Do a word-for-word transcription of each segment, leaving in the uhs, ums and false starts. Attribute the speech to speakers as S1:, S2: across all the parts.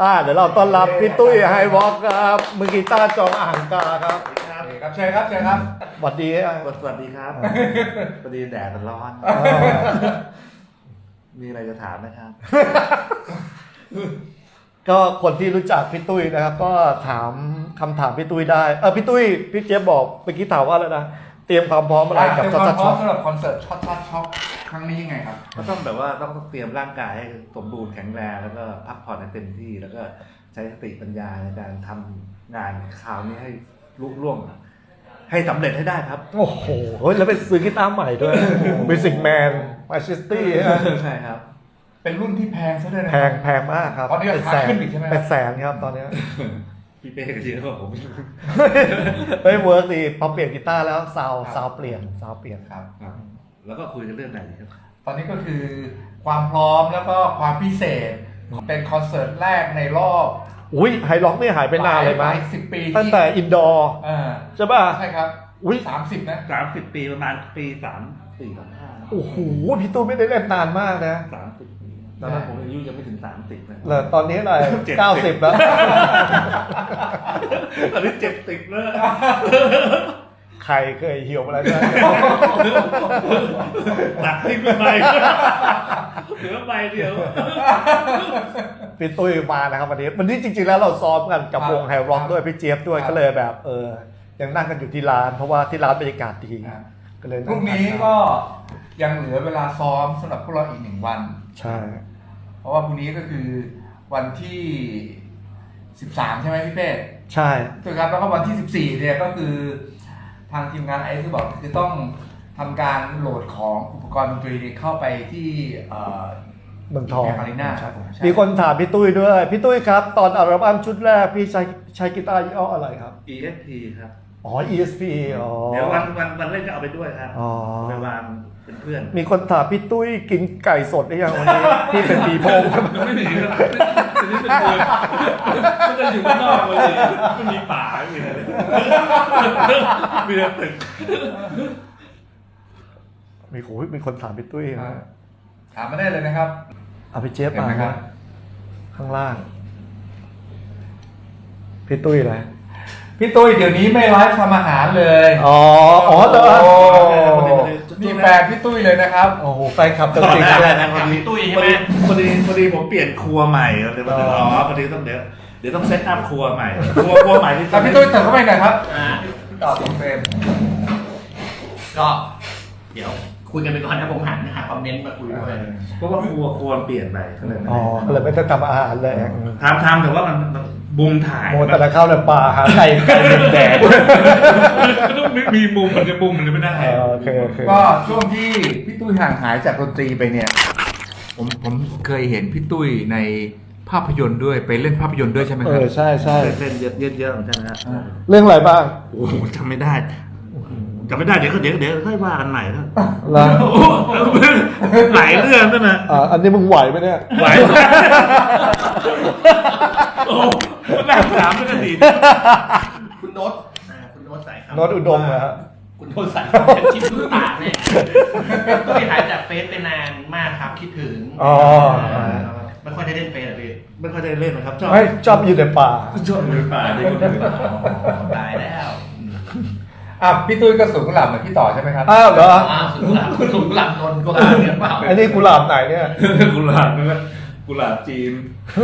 S1: อ่าเดี๋ยวเราต้อนรับพี่ตุ้ยไฮวอล์กครับมือกีตาร์จองอ่างกาครับ
S2: ครับเชิญครับเชิญครับ
S1: สวัสดี
S3: สวัสดีครับพอดีแดดมันร้อน มีอะไรจะถามนะครับ
S1: ก็คนที่รู้จักพี่ตุ้ยนะครับ ก็ถามคำถามพี่ตุ้ยได้เออพี่ตุ้ยพี่เจี๊ยบบอกเมื่อกี้ถามว่าแล้วนะเตรียมความพร้อมอะไรกับ
S2: ช็
S1: ช็
S2: อ
S1: อ
S2: ต
S1: ต
S2: ช็
S1: ช็
S2: อ
S1: อ
S2: ต
S1: ต
S2: สำหรับคอนเสิร์ตช็อตช็อตช็อตครั้งนี้ยังไงครับ
S3: ก็ต้องแบบว่าต้องเตรียมร่างกายให้สมบูรณ์แข็งแรงแล้วก็พักผ่อนให้เต็มที่แล้วก็ใช้สติปัญญาในการทำงานคราวนี้ให้ลุล่วงให้สำเร็จให้ได้ครับ
S1: โอ้โหแล้วเป็นซื้อกีตาร์ใหม่ด้วยมิวสิกแมนมาชิสตี้
S3: ใช่ครับ
S2: เป็นรุ่นที่แพงซะด้วยนะ
S1: แพงแพงมากครับ
S2: ตอนนี้ราคาขึ้นอีกใช่ไหมครับ
S1: เป็นแสนครับตอนนี้
S3: พี่เป้ก็เยอะกว่าผม
S1: เฮ้ยเวิร์กดีพอเปลี่ยนกีตาร์แล้วซาวซาวเปลี่ยนซาวเปลี่ยน
S2: ครับ
S3: ครับแล้วก็คุยกันเรื่องไหนดีครับ
S2: ตอนนี้ก็คือความพร้อมแล้วก็ความพิเศษ เป็นคอนเสิร์ตแรกในรอบ
S1: อุ้ยไฮล็อกนี่หายไปนานเลยมั้ย
S2: สิบปี
S1: ตั้งแต่อินดอร์
S2: อ่า
S1: ใช่ป่ะ
S2: ใช่ครับ
S1: อุ้ย
S2: สามสิบนะ
S3: สามสิบปีประมาณปีสามสี่สามห้า
S1: โอ้โหพี่ตู้ไม่ได้เล่นนานมากนะ
S3: สามสิบปีตอนนั้นผมอายุยังไม่ถึงสามสิบนะ
S1: แล้วตอนนี้อะไร
S3: เจ็ดสิบ
S1: เก้าสิบแล้ว
S3: ตอนนี้เจ็ดสิบแล้ว
S1: ใครเคยเหี่ยวมาแล้วเนี่ย
S3: ตัดทิ้งไปเหลือใบเดียว
S1: พี่ตุ้ยมานะครับวันนี้วันนี้จริงๆแล้วเราซ้อมกันกับ
S2: ครับ
S1: วงไฮร็อกด้วยพี่เจี๊ยบด้วย
S2: ครับ
S1: ก็เลยแบบเออยังนั่งกันอยู่ที่ร้าน เพราะว่าที่ร้านบรรยากาศดี
S2: ครับ
S1: ก็เลย
S2: พรุ่งนี้ก็ยังเหลือเวลาซ้อมสำหรับพวกเราอีกหนึ่งวัน
S1: ใช่
S2: เพราะว่าพรุ่งนี้ก็คือวันที่สิบสามใช่ไหมพี่เป้
S1: ใช่
S2: ถูกครับแล้วก็วันที่สิบสี่เนี่ยก็คือทางทีมงานไอซ์บอกคือต้องทำการโหลดของอุปกรณ์ดนตรีเข้าไปที่เอ่อ
S1: เมืองทอง
S2: อารีนาครับผมใช่
S1: มีคนถามพี่ตุ้ยด้วยพี่ตุ้ยครับตอนอัลบั้มชุดแรกพี่ใช้ใช้กีตาร์ยี่ห้ออะไรครับ
S3: อี เอส พี ครับ
S1: อ๋อ อี เอส พี อ๋อ
S3: เดี๋ยววันวันวันเล่นก็เอาไปด้วยครับ
S1: อ๋อ
S3: เอาไปวางเป็นเพื่อน
S1: มีคนถามพี่ตุ้ยกินไก่สดหรือยังวันนี้ พี่เป็นปีโพง
S3: ไม่มีครับทีนี้เป็นเมืองก็จะอยู่ข้างนอกเลยไม่มีป่าไม่มีอะไรเลยมีแต่ตึก
S1: มีโอ้ยมีคนถามพี่ตุ้ยนะ
S2: ถามมาได้เลยนะครับ
S1: เอาพี่เจฟ
S2: เห็น
S1: มา
S2: ไหมครับ
S1: ข้างล่าง พี่ตุ้ยอะไร
S2: พี่ตุ้ยเดี๋ยวนี้ไม่ไลฟ์ทำอาหารเลย
S1: อ๋อ อ๋อเหรอ
S2: โอ้นี่แฟนพี่ตุ้ยเลยนะครับ
S1: โอ้โหแฟนคลับตัว
S3: ตอน
S1: จริง
S3: แรก
S1: เลย
S3: นะพอดี
S4: ตุ้ยใช่
S3: พอ
S4: ไหม
S3: ดีพอดีพอดีผมเปลี่ยนครัวใหม่เลยมาอ๋อพอดีต้องเดี๋ยวเดี๋ยวต้องเซตอัพครัวใหม่ครัวครัวใหม่ที่
S2: แต่พี่ตุ้ยเติมเข้าไปหน่อยครับ
S4: อ่า
S2: ต่อตรงเฟรม
S4: ก็เดี๋ยวคุยกันไปก่อนนะผมหันหาคอมเมนต์มาคุยด้วย
S3: เพราะว่าครัวครัวเปลี่ยนไปก็เลย
S1: อ๋อก็เลยไม่ต้องทำอาหารเลย
S3: ทำทำแต่ว่ามันมันมุมถ่าย
S1: โมแต่ละเข้าในป่าหาไก่ไก่ดินแดง
S3: ก็ต้องมีมุมมันจะมุมมันจะไม่ได้
S1: เออโอเคโอเค
S2: ก็ช่วงที่พี่ตุ้ยห่างหายจากดนตรีไปเนี่ย ผมผมเคยเห็นพี่ตุ้ยในภาพยนตร์ด้วยไปเล่นภาพยนตร์ด้วยใช่ไหม
S1: เอ
S2: ครับ
S1: อใช่ใช่
S3: เล่นเยอะเยอะเหมือนกันนะ
S1: เรื่องอะไรบ้าง
S3: โอ้โหจำไม่ได้จำไม่ได้เดี๋ยวก็เดี๋ยวเดี๋ยวค่อยว่ากันใหม่นะ
S1: แล้ว
S3: หลายเรื่องนั่นนะ
S1: อ่าอันนี้มึงไหวไหมเนี่ย
S3: ไหวโอ้มันน่าถามไม่ได้ดี
S4: คุณโน้ตอ่าคุณโน้ตสายครับ
S1: โน้ตอุดมเหรอฮะ
S4: คุณโน้ตสายครับเป็นชิ้นลูกตาเนี่ยตุ้ยหายจากเฟซไปนานมากครับคิดถึง
S1: อ๋อ
S4: ไม่ค่อยได้เล่นเฟซอะพี่
S3: ไม่ค่อยได้เล่นนะครับชอบ
S1: ไม่ชอบอยู่ในป่า
S3: ชอบอยู่ในป่าดีกว่า
S4: ตายแล้ว
S2: อ่ะพี่ตุ้ยก็สูงกุหลาบเหมือนพี่ต่อใช่ไหมครับ
S1: อ้าวเหรอ
S4: อ้าวสุดหลับสุดหลับนนก็ลาเนี่ยเปล่า
S1: อันนี้กุหลาบไหนเนี่ย
S3: กุหลาบนั่นแหละกุหลาบจีน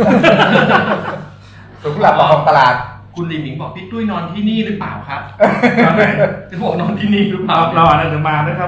S2: สูงกุหลาบประคองตลาด
S4: คุณลิมหมิงบอกพี่ตุ้ยนอนที่นี่หรือเปล่าครับ
S3: ตอนไหน
S4: จะบอกนอนที่นี่หรือเป
S3: เรา
S4: ล่า
S3: เราอาจจะมานะครับ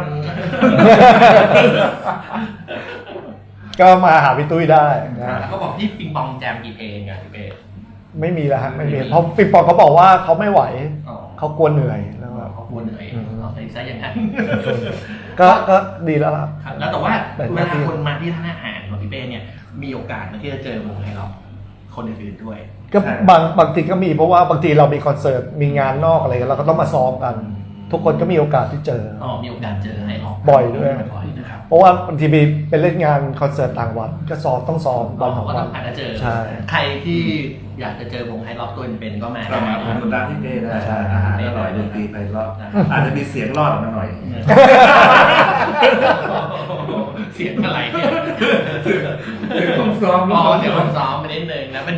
S1: ก็มาหาพี่ตุ้ยได้นะ
S4: แล้วก็บอกพี่ปิงปองแจมกี่เพลงอะพี่เป้
S1: ไม่มีแล้วฮะไม่มีเพราะปิงปองเขาบอกว่าเขาไม่ไหว
S4: อ๋อ
S1: เขากลัวเหนื่อยแล้วแบบ
S4: เขาควรเหนื่อยเราใส่ซะอย่างนั้น
S1: ก็ก็ดีแล้วครับ
S4: ครับแล้วแต่ว่า
S1: แต่
S4: เว
S1: หน้า
S4: ลา
S1: ที่
S4: คนมาที่ท่านอาหารของพี่เป้เนี่ยมีโอกาสมาที่จะเจอวงให้เราคนอื่นๆด้วย
S1: ก็บางบางทีก็มีเพราะว่าบางทีเรามีคอนเสิร์ตมีงานนอกอะไรกันเราก็ต้องมาซ้อมกัน ทุกคนก็มีโอกาสที่เจอ
S4: อ๋อมีโอกาสเจอให้เรา
S1: บ่อยด้วย
S4: บ่อยนะครับ
S1: เพราะว่าบางทีไปไปเล่นงานคอนเสิร์ตต่างวัดก็ซ้อมต้องซ้อม
S4: เรา
S1: วันสอง
S4: ก็
S1: วั
S4: ต้อน งอาจจะเจอ
S1: ใช่
S4: ใครที่อยากจะเจอวงไฮล็อกตัวเป็นๆก็มา
S3: เรามา
S4: ได้
S3: ทำร้านที่เป้ได้อาหารอร่อยดนตรีไพเราะอาจจะมีเสียงรอดออกมาหน่อย
S4: เสียงอะไรเนี่ย
S3: ต้องซ้อม
S4: อ๋อเดี๋ยวผมซ้อมไปนิดนึงนะเป็น